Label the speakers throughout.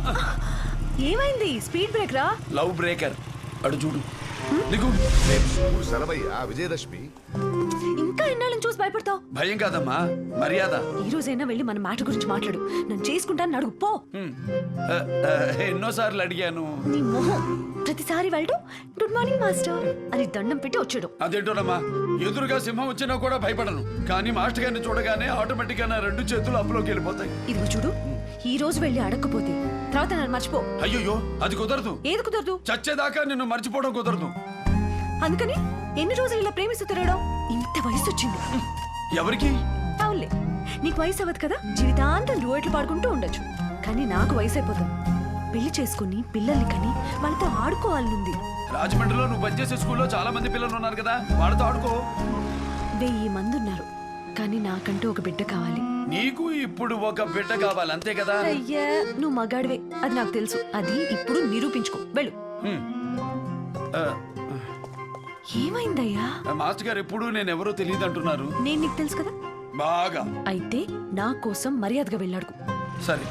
Speaker 1: ఏమైంది? Speed break రా.
Speaker 2: Love breaker అడు చూడు. నీకు
Speaker 3: సెలవయ్యా విజయదశమి.
Speaker 1: ఇంకా ఎన్నాళ్ళని చూసి భయపడతావు?
Speaker 2: భయం కాదమ్మా, మర్యాద.
Speaker 1: ఈ రోజైనా వెళ్ళి మన మాట గురించి మాట్లాడు. నన్ను చేసుకుంటాను అడుగు పో.
Speaker 2: ఎన్నోసార్లు అడిగాను.
Speaker 1: నీ మొహం. ప్రతిసారి వెళ్ళడు గుడ్ మార్నింగ్ మాస్టర్ అని దండం పెట్టి వచ్చాడు.
Speaker 2: అదేంటోనమ్మా, ఎదురుగా సింహం వచ్చినా కూడా భయపడను. కానీ మాస్టర్ గారిని చూడగానే ఆటోమేటిక్ గా నా 2 చేతులు అప్పులోకి వెళ్ళిపోతాయి.
Speaker 1: ఇదిగో చూడు, ఈ రోజు వెళ్ళి అడగకపోతే తర్వాత నన్ను మర్చిపో.
Speaker 2: అయ్యో అది కుదరదు.
Speaker 1: ఏది కుదరదు?
Speaker 2: చచ్చేదాకా నిన్ను మర్చిపోవడం కుదరదు.
Speaker 1: అందుకని ఎన్ని రోజులు ఇలా ప్రేమిస్తూ తిరగడం? ఇంత వయసు వచ్చింది.
Speaker 2: ఎవరికి?
Speaker 1: అవునులే, నీకు వయసు అవ్వదు కదా, జీవితాంతం డ్యూయెట్లు పాడుకుంటూ ఉండొచ్చు. కానీ నాకు వయసు అయిపోతుంది. పెళ్లి చేసుకుని పిల్లల్ని కని వాళ్ళతో ఆడుకోవాలనుంది.
Speaker 2: రాజమండ్రిలో నువ్వు పనిచేసే స్కూల్లో చాలా మంది పిల్లలు ఉన్నారు కదా, వాళ్ళతో ఆడుకో.
Speaker 1: 1000 మంది ఉన్నారు, కానీ నాకంటూ ఒక బిడ్డ కావాలి.
Speaker 2: నీకు ఇప్పుడు ఒక బిడ్డ కావాలి, అంతే కదా?
Speaker 1: అయ్యా, నువ్వు మగాడివే, అది నాకు తెలుసు. అది ఇప్పుడు నిరూపించుకో. వెళ్ళు. ఏమైందయ్యా?
Speaker 2: మాస్టర్ గారు ఎప్పుడు నేను ఎవరో తెలియదు అంటున్నారు.
Speaker 1: నేను నీకు తెలుసు కదా
Speaker 2: బాగా.
Speaker 1: అయితే నా కోసం మర్యాదగా వెళ్ళాడు.
Speaker 2: సరే,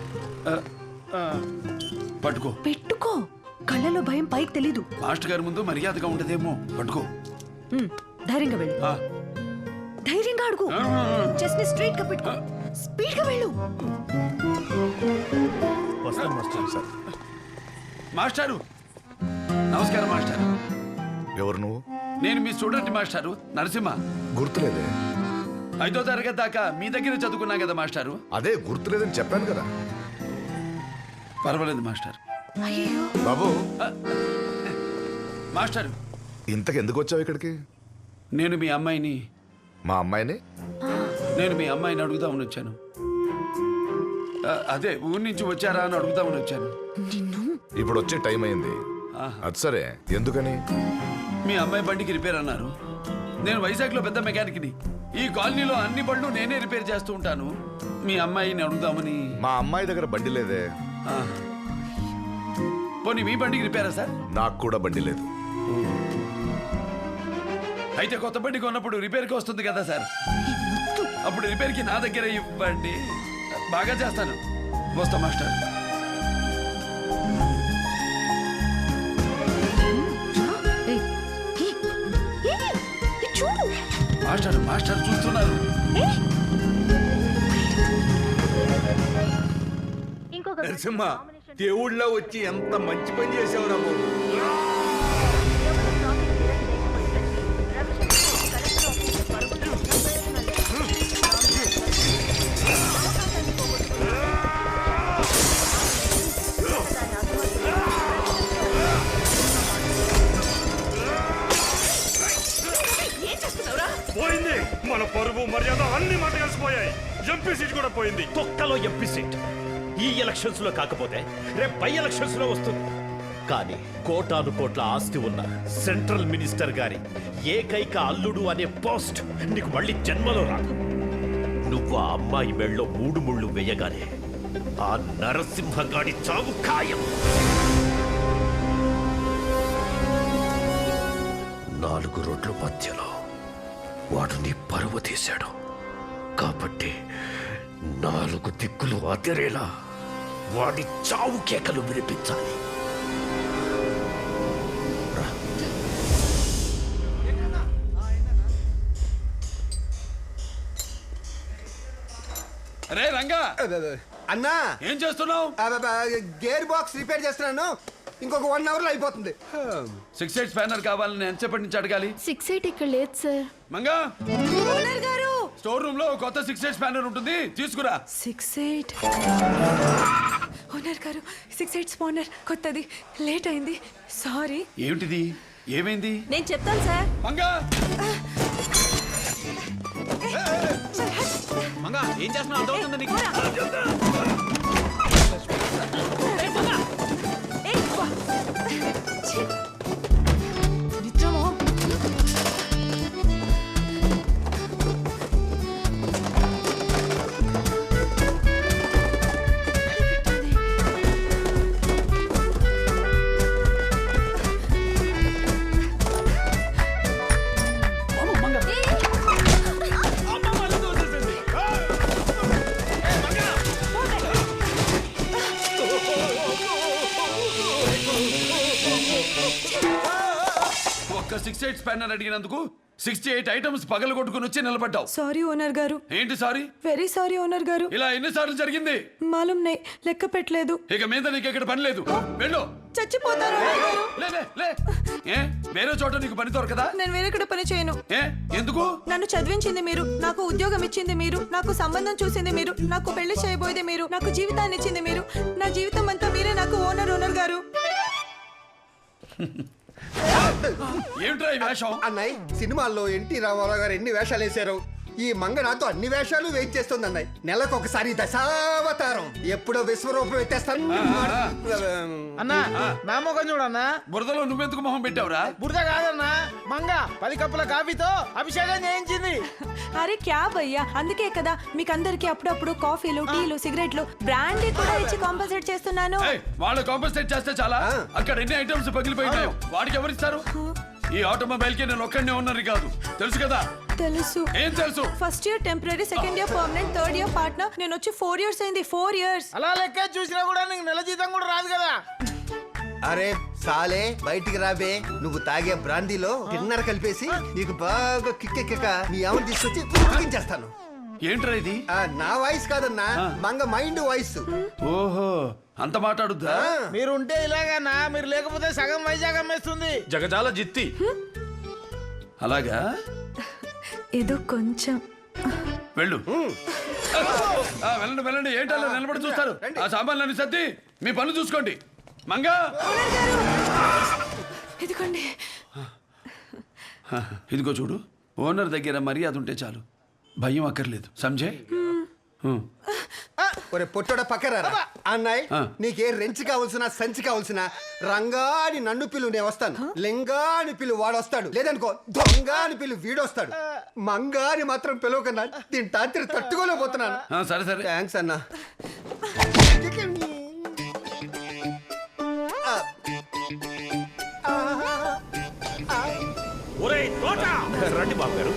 Speaker 2: పట్టుకో.
Speaker 1: పెట్టుకో. కళ్ళలో భయం పైకి తెలీదు.
Speaker 2: మాస్టర్ గారి ముందు మర్యాదగా ఉండదేమో. పట్టుకో.
Speaker 1: ధైర్యంగా వెళ్ళు. ధైర్యంగా అడుగు. చెస్ట్ ని స్ట్రైట్ గా పెట్టుకో. స్పీడ్ గా వెళ్ళు.
Speaker 2: మాస్టారు నమస్కారం. మాస్టర్
Speaker 3: ఎవరు నువ్వు?
Speaker 2: నేను మీ స్టూడెంట్ మాస్టారు, నరసింహ.
Speaker 3: గుర్తులేదే.
Speaker 2: 5వ తరగతి దాకా మీ దగ్గర చదువుకున్నా కదా మాస్టారు.
Speaker 3: అదే గుర్తులేదని చెప్పాను కదా.
Speaker 2: పర్వాలేదు మాస్టర్.
Speaker 1: అయ్యో
Speaker 3: బాబు,
Speaker 2: మాస్టారు
Speaker 3: ఇంతకెందుకు వచ్చావు ఇక్కడికి?
Speaker 2: నేను మీ అమ్మాయిని అడుగుదామని వచ్చాను. అదే ఊరి నుంచి వచ్చారా అని అడుగుదామని వచ్చాను.
Speaker 3: ఇప్పుడు వచ్చే టైం అయింది. అది సరే, ఎందుకని?
Speaker 2: మీ అమ్మాయి బండికి రిపేర్ అన్నారు. నేను వైజాగ్లో పెద్ద మెకానిక్ని. ఈ కాలనీలో అన్ని బండ్లు నేనే రిపేర్ చేస్తూ ఉంటాను. మీ అమ్మాయిని అడుగుదామని.
Speaker 3: మా అమ్మాయి దగ్గర బండి లేదే.
Speaker 2: పోనీ మీ బండికి రిపేరా సార్?
Speaker 3: నాకు కూడా బండి లేదు.
Speaker 2: అయితే కొత్త బండి కొన్నప్పుడు రిపేర్కి వస్తుంది కదా సార్, అప్పుడు రిపేర్కి నా దగ్గర ఇవ్వండి. బాగా చేస్తాను. వస్తా మాస్టర్. మాస్టర్ చూస్తున్నారు.
Speaker 4: నరసింహ, దేవుళ్ళ వచ్చి ఎంత మంచి పని చేసావురా బాబు.
Speaker 5: పోయింది మన పరువు మర్యాద అన్ని మాట కలిసిపోయాయి. ఎంపీ సీట్ కూడా పోయింది.
Speaker 6: తొక్కలో ఎంపీ సీట్ ఈ ఎలక్షన్స్ లో కాకపోతే రేపు పై ఎలక్షన్స్ లో వస్తుంది. కానీ కోటాను కోట్ల ఆస్తి ఉన్న సెంట్రల్ మినిస్టర్ గారి ఏకైక అల్లుడు అనే పోస్ట్ నీకు మళ్ళీ జన్మలో రాదు. నువ్వు ఆ అమ్మాయి మెళ్ళలో 3 ముళ్ళు వేయగానే ఆ నరసింహగాడి చావు ఖాయం. 4 రోడ్ల మధ్యలో వాడు నీ పరువు తీశాడు. కాబట్టి 4 దిక్కులు అదిరేలా వాడి చావు కేకలు వినిపించాలి.
Speaker 2: అరే రంగా,
Speaker 4: అన్నా
Speaker 2: ఏం చేస్తున్నావు?
Speaker 4: గేర్ బాక్స్ రిపేర్ చేస్తున్నాను. ఇంకొక 1 అవర్ లో అయిపోతుంది.
Speaker 2: 6/8 స్పానర్ కావాలని ఎంతసేపటి నుంచి అడగాలి?
Speaker 7: 6/8 ఇక్కడ లేదు సార్.
Speaker 2: మంగా,
Speaker 1: ఓనర్ గారు,
Speaker 2: స్టోర్ రూమ్ లో కొత్త 6/8 స్పానర్ ఉంటుంది, తీసుకురా.
Speaker 1: 6/8 ఓనర్ గారు, 6/8 స్పానర్ కొత్తది, లేట్ అయింది, సారీ.
Speaker 2: ఏమిటిది? ఏమైంది?
Speaker 1: నేను చెప్తాను సార్.
Speaker 2: మంగా,
Speaker 6: మంగా ఏం చేస్తున్నావు? అర్థమవుతుందా నీకు?
Speaker 2: నెంబర్ 68 స్పానర్ అడిగినందుకు 68 ఐటమ్స్ పగలు కొట్టుకుని వచ్చి నిలబడ్డావు.
Speaker 1: సారీ ఓనర్ గారు,
Speaker 2: ఏంటి సారీ?
Speaker 1: వెరీ సారీ ఓనర్ గారు.
Speaker 2: ఇలా ఎన్నిసార్లు జరిగింది?
Speaker 1: మాలూం నై, లెక్క పెట్టలేదు.
Speaker 2: ఇక మీద నీకు ఇక్కడ పని లేదు. వెళ్ళు.
Speaker 1: చచ్చిపోతారు ఓనర్ గారు.
Speaker 2: లే లే లే. ఏ వేరే చోట నీకు పని దొరకదా?
Speaker 1: నేను వేరే కూడా పని చేయను.
Speaker 2: ఏ ఎందుకు?
Speaker 1: నన్ను చదివించింది మీరు, నాకు ఉద్యోగం ఇచ్చింది మీరు, నాకు సంబంధం చూసింది మీరు, నాకు పెళ్లి చేయబోయేది మీరు, నాకు జీవితాన్ని ఇచ్చింది మీరు. నా జీవితం అంతా మీరే నాకు ఓనర్ గారు.
Speaker 2: ఏమిట్రా ఈ వేషం?
Speaker 7: అన్నయ్య సినిమాల్లో ఎన్టీ రామారావు గారు ఎన్ని వేషాలు వేశారు, ఈ మంగ నాతో అన్ని వేషాలు వేయించేస్తుంది అన్నయ్య. నెలకు ఒకసారి దశావతారం, ఎప్పుడో విశ్వరూపం ఎత్తేస్తాను.
Speaker 8: అన్నా నా మొఖం చూడన్నా.
Speaker 2: బురదలో నువ్వెందుకు మొహం పెట్టావురా?
Speaker 8: బురద కాదన్నా, మంగ 10 కప్పుల కాఫీతో అభిషేకం చేయించింది.
Speaker 1: అరే క్యా భయ్యా, అందుకే కదా మీకు అందరికి అప్పుడప్పుడు కాఫీలు, టీలు, సిగరెట్లు, బ్రాండీ కూడా ఇచ్చి కాంపన్సేట్ చేస్తున్నాను.
Speaker 2: ఏయ్, వాళ్ళు కాంపన్సేట్ చేస్తే చాలా. అక్కడ ఎన్ని ఐటమ్స్ పగిలిపోయినాయో వాడికి ఎవరిస్తారు? ఈ ఆటోమొబైల్ కి నేను ఒక్కడనే ఉన్నది కాదు, తెలుసు కదా?
Speaker 1: తెలుసు.
Speaker 2: ఏం తెలుసు?
Speaker 1: First year temporary, second year permanent, third year partner. నేను వచ్చి 4 years అయింది. 4 years.
Speaker 8: అలా లెక్క చూసినా కూడా నీకు నెల జీతం కూడా రాదు కదా.
Speaker 7: అరే సాలే బయటికి రాబే, నువ్వు తాగే బ్రాందీలో డిన్నర్ కలిపేసి నీకు బాగా కిక్కెక్క నీ ఆమెను తీసుకొచ్చి ఉడికించేస్తాను.
Speaker 2: ఏంట్రా ఇది?
Speaker 7: నా వాయిస్ కాదన్నా, మంగ మైండ్ వాయిస్.
Speaker 2: ఓహో, అంత మాట్లాడుద్దా?
Speaker 8: మీరు ఉంటే ఇలాగన్నా, మీరు లేకపోతే సగం వైజాగ్ అమ్మేస్తుంది.
Speaker 6: జగజాల జిత్తి.
Speaker 2: అలాగా?
Speaker 1: ఏదో కొంచెం.
Speaker 2: వెళ్ళు. వెళ్ళండి వెళ్ళండి. ఏంటలా నిలబడి చూస్తారు? ఆ సామాన్లన్నీ సర్ది మీ పనులు చూసుకోండి. మంగా,
Speaker 1: ఇదిగోండి.
Speaker 2: ఇదిగో చూడు, ఓనర్ దగ్గర మర్యాద ఉంటే చాలు, భయం అక్కర్లేదు. సంజయ్,
Speaker 7: ఒరే పొట్టోడ పక్కరారా. అన్నయ్య నీకే రెంచి కావాల్సిన సంచి కావాల్సిన రంగాని నన్ను పిలు, నేను వస్తాను. లింగాని పిలు, వాడు వస్తాడు. లేదనుకో దొంగాని పిలు, వీడొస్తాడు. మంగాని మాత్రం పిలవకన్నా, దీని తాతిరి తట్టుకోలేకపోతున్నాను.
Speaker 2: సరే సరే.
Speaker 7: థ్యాంక్స్ అన్నా.
Speaker 5: ఒరేయ్ తోట,
Speaker 6: రండి బాబు గారు.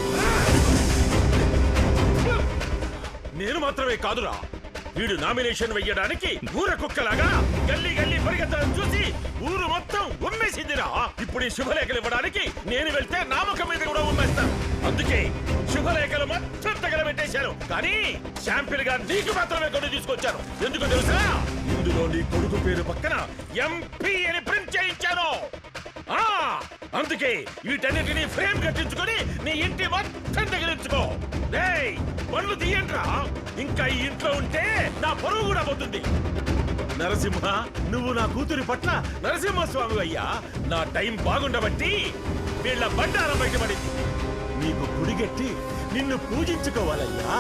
Speaker 5: నేను మాత్రమే కాదురా, వీడు నామినేషన్ వెయ్యడానికి ఊర కుక్కలాగా గల్లీ గల్లీ పరిగెత్తడం చూసి ఊరు మొత్తం ఉమ్మేసిందిరా. ఇప్పుడు ఈ శుభలేఖలు ఇవ్వడానికి నేను వెళ్తే నామకం మీద కూడా ఉమ్మేస్తాను. అందుకే శుభలేఖలు మొత్తం తగలబెట్టేశాను. కానీ శాంపిల్ గా నీకు మాత్రమే కొన్ని తీసుకొచ్చాను. ఎందుకు తెలుసా? ఇందులో నీ కొడుకు పేరు పక్కన ఎంపీ అని ప్రింట్ చేయించాను. అందుకే వీటన్నిటిని ఫ్రేమ్ కట్టించుకొని నీ ఇంటి మొత్తం తగిలించుకో. పనులు తీయంట్రా, ఇంకా ఈ ఇంట్లో ఉంటే నా పరువు కూడా పోతుంది. నరసింహ, నువ్వు నా కూతురి పట్ల నరసింహస్వామి అయ్యా. నా టైం బాగుండబట్టి వీళ్ళ బండారం బయటపడింది. నీకు గుడిగట్టి నిన్ను పూజించుకోవాలయ్యా.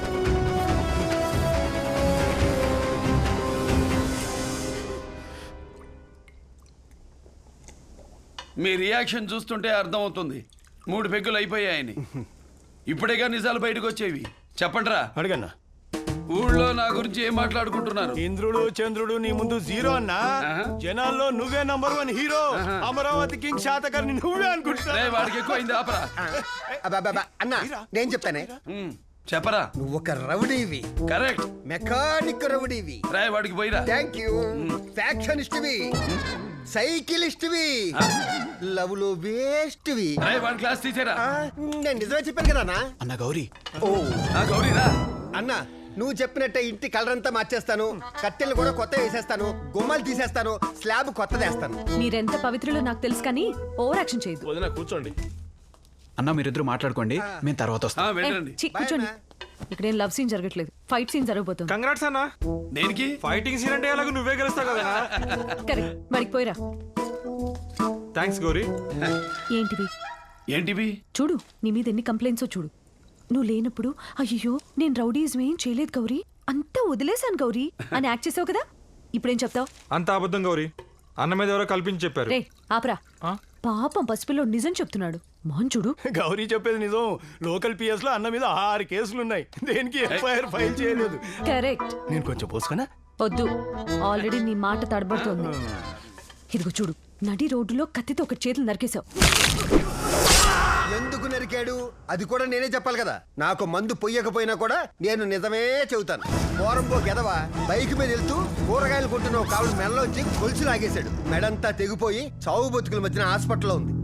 Speaker 2: మీ రియాక్షన్ చూస్తుంటే అర్థం అవుతుంది 3 పెగ్గులు అయిపోయాయని. ఇప్పుడేగా నిజాలు బయటకు వచ్చేవి. చెప్పండిరా.
Speaker 9: అడగన్నా.
Speaker 2: ఊళ్ళో నా గురించి ఏం మాట్లాడుకుంటున్నారు?
Speaker 9: ఇంద్రుడు చంద్రుడు నీ ముందు జీరో అన్నా, జనాల్లో నువ్వే number 1 hero. Amaravati king Satakarni నువ్వే అనుకుంటున్నా.
Speaker 2: వాడికి ఎక్కువ అయింది, ఆపరా.
Speaker 7: అన్నా నేను చెప్తానే.
Speaker 2: చెప్పరా.
Speaker 7: నువ్వు ఒక రౌడీవి.
Speaker 2: కరెక్ట్.
Speaker 7: మెకానిక్ రౌడీవి.
Speaker 2: రాయ్ వాడికి పోయిరా.
Speaker 7: Thank you. ఫ్యాక్షనిస్ట్వి, సైకిలిస్ట్వి, లవ్ లో వేస్ట్వి.
Speaker 2: రాయ్ వాడి క్లాస్ తీసేరా.
Speaker 7: నేను నిజమే చెప్పాను కదా
Speaker 9: అన్న గౌరీ.
Speaker 7: ఓ
Speaker 2: గౌరీరా.
Speaker 7: అన్నా నువ్వు చెప్పినట్టే ఇంటి కలర్ అంతా మార్చేస్తాను, కట్టెలు కూడా కొత్త వేసేస్తాను, గుమ్మాలు తీసేస్తాను, స్లాబ్ కొత్తదేస్తాను.
Speaker 1: మీరెంత పవిత్రులో నాకు తెలుసు, కానీ ఓవర్ యాక్షన్ చేయదు.
Speaker 6: వదిన కూర్చోండి.
Speaker 9: అన్న మీరిద్దరు మాట్లాడుకోండి, మేము తర్వాత వస్తాం.
Speaker 2: వెళ్ళండి.
Speaker 1: కూర్చోండి. ఇక్కడ ఏం లవ్ సీన్ జరగట్లేదు, ఫైట్ సీన్ జరగబోతుంది.
Speaker 5: కంగ్రాట్స్ అన్నా.
Speaker 2: దేనికి?
Speaker 5: ఫైటింగ్ సీన్ అంటే ఎలాగో నువ్వే గెలుస్తావు కదా.
Speaker 1: కరెక్ట్, మరికి పోయిరా.
Speaker 5: థ్యాంక్స్ గౌరీ.
Speaker 1: ఏంటివి
Speaker 2: ఏంటివి?
Speaker 1: చూడు, నీ మీద ఎన్ని కంప్లైంట్స్ చూడు. నువ్వు లేనప్పుడు అయ్యో నేను రౌడీజం ఏం చేయలేదు గౌరీ, అంతా వదిలేశాను గౌరీ అని యాక్ట్ చేసావు కదా. ఇప్పుడేం చెప్తావు?
Speaker 5: అంత అబద్ధం గౌరీ, అన్న మీద ఎవరో కల్పించి చెప్పారు.
Speaker 1: రే ఆపరా. పాపం పసిపిల్లో నిజం చెప్తున్నాడు. మోహన్ చూడు,
Speaker 9: గౌరీ చెప్పేది నిజం. లోకల్ పిఎస్ లో అన్న మీద 6 కేసులు ఉన్నాయి, దేనికి ఎఫ్ఐఆర్ ఫైల్ చేయలేదు.
Speaker 1: కరెక్ట్.
Speaker 9: నేను కొంచెం పోసుకున్నా.
Speaker 1: వద్దు, ఆల్రెడీ నీ మాట తడబడుతోంది. ఇదిగో చూడు, నడి రోడ్డులో కత్తితో ఒక చేతులు నరికేశావు.
Speaker 7: ఎందుకు నరికాడు అది కూడా నేనే చెప్పాలి కదా. నాకు మందు పొయ్యకపోయినా కూడా నేను నిజమే చెబుతాను. పోరంబో గెదవ బైక్ మీద వెళ్తూ కూరగాయలు కొంటున్న కావులు మెడలోంచి గొలుసు లాగేశాడు. మెడంతా తెగిపోయి చావు బతుకుల మధ్యన హాస్పిటల్లో ఉంది.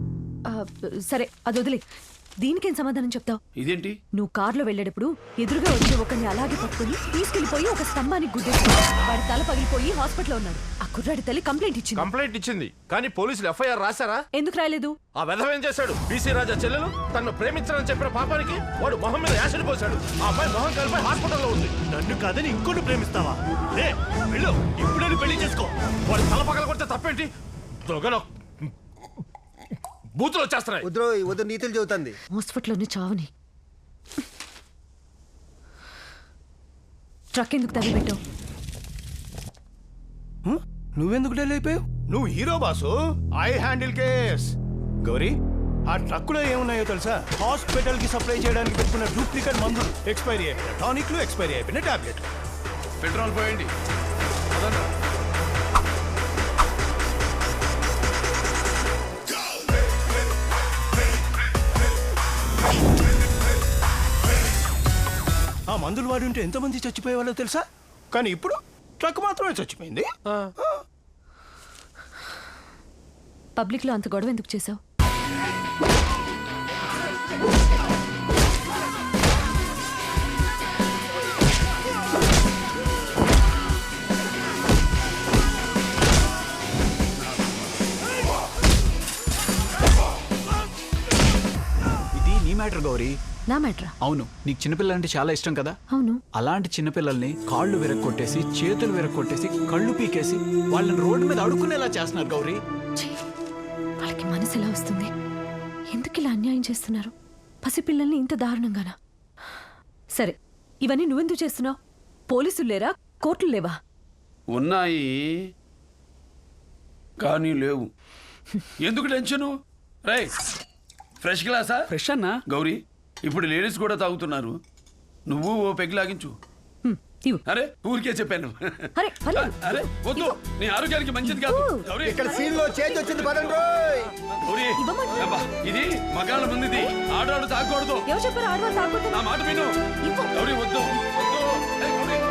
Speaker 1: సరే అది వదిలే. దీనికేం సమాధానం చెప్తావు?
Speaker 2: ఇదేంటి?
Speaker 1: నువ్వు కారులో వెళ్ళేటప్పుడు ఎదురుగా వచ్చే ఒకరిని అలాగే పట్టుకుని తీసుకెళ్లిపోయి ఒక స్తంభానికి గుద్దేసి వాడి తల పగిలిపోయి హాస్పిటల్లో ఉన్నాడు. ఆ కుర్రాడి తల్లి కంప్లైంట్ ఇచ్చింది.
Speaker 6: కంప్లైంట్ ఇచ్చింది కానీ పోలీసులు ఎఫ్ఐఆర్ రాశారా?
Speaker 1: ఎందుకు రాయలేదు?
Speaker 6: ఆ వెధవ ఏం చేశాడు? బీసీ రాజా చెల్లెలు తనను ప్రేమించాలని చెప్పిన పాపానికి వాడు మొహం మీద యాసిడ్ పోశాడు. ఆ అమ్మాయి మొహం కలిపి హాస్పిటల్లో ఉంది.
Speaker 9: నన్ను కాదని ఇంకోటి ప్రేమిస్తావా? లే వెళ్ళు, ఇప్పుడే పెళ్లి చేసుకో.
Speaker 6: వాడు తల పగల కొడితే తప్పేంటి? దొంగలో బూతులు వచ్చేస్తున్నాయి.
Speaker 7: వద్దు నీతులు చెబుతుంది.
Speaker 1: హాస్పిటల్లోనే చావని. ట్రక్ ఎందుకు తగిలిపెట్టావు?
Speaker 9: నువ్వెందుకు డెల్ అయిపోయావు? నువ్వు hero boss, I handle case. Gowri, ఆ ట్రక్కులో ఏమున్నాయో తెలుసా? హాస్పిటల్ కి సప్లై చేయడానికి పెట్టుకున్న డూప్లికేట్ మందులు, ఎక్స్పైరీ అయిపోయిన టానిక్లు, ఎక్స్పైరీ అయిపోయిన టాబ్లెట్.
Speaker 2: పెట్రోల్ పోయండి.
Speaker 9: ఆ మందులు వాడి ఉంటే ఎంతమంది చచ్చిపోయేవాళ్ళో తెలుసా? కానీ ఇప్పుడు ట్రక్ మాత్రమే చచ్చిపోయింది.
Speaker 1: పబ్లిక్ లో అంత గొడవ ఎందుకు చేసావు?
Speaker 10: ఇది నీ మ్యాటర్ గౌరీ.
Speaker 1: నా మ్యాటరా?
Speaker 10: అవును, నీకు చిన్నపిల్లలంటే చాలా ఇష్టం కదా.
Speaker 1: అవును.
Speaker 10: అలాంటి చిన్నపిల్లల్ని కాళ్ళు విరక్కొట్టేసి, చేతులు విరక్కొట్టేసి, కళ్ళు పీకేసి వాళ్ళని రోడ్డు మీద అడుక్కునేలా చేస్తున్నారు గౌరీ.
Speaker 1: ఛీ, వాళ్ళకి మనసు ఎలా వస్తుంది? ఎందుకు ఇలా అన్యాయం చేస్తున్నారు? పసిపిల్లల్ని ఇంత దారుణంగానా? సరే, ఇవన్నీ నువ్వెందుకు చేస్తున్నావు? పోలీసులు లేరా? కోర్టులు లేవా?
Speaker 2: ఉన్నాయి కానీ లేవు. ఎందుకు టెన్షను? రై ఫ్రెష్ గ్లాసా?
Speaker 10: ఫ్రెష్ అన్నా.
Speaker 2: గౌరీ, ఇప్పుడు లేడీస్ కూడా తాగుతున్నారు. నువ్వు ఓ పెగ్ లాగించు.
Speaker 1: ఇవ్వు.
Speaker 2: అరే ఊరికే చెప్పాను.
Speaker 1: అరే, పర్లేదు.
Speaker 2: అరే వద్దు, నీ ఆరోగ్యానికి మంచిది కాదు. గౌరీ,
Speaker 7: ఇక్కడ సీన్ లో చేంజ్ వచ్చింది పదండి రోయ్.
Speaker 2: గౌరీ,
Speaker 1: ఇవ్వమంటే.
Speaker 2: అబ్బా, ఇది మగాళ్ళ ముందుది. ఆడవాళ్ళు తాగకూడదు.
Speaker 1: ఎవరు చెప్పారు ఆడవాళ్ళు తాగకూడదు?
Speaker 2: నా మాట విను.
Speaker 1: ఇవ్వు.
Speaker 2: గౌరీ వద్దు వద్దు. ఏయ్, గౌరీ.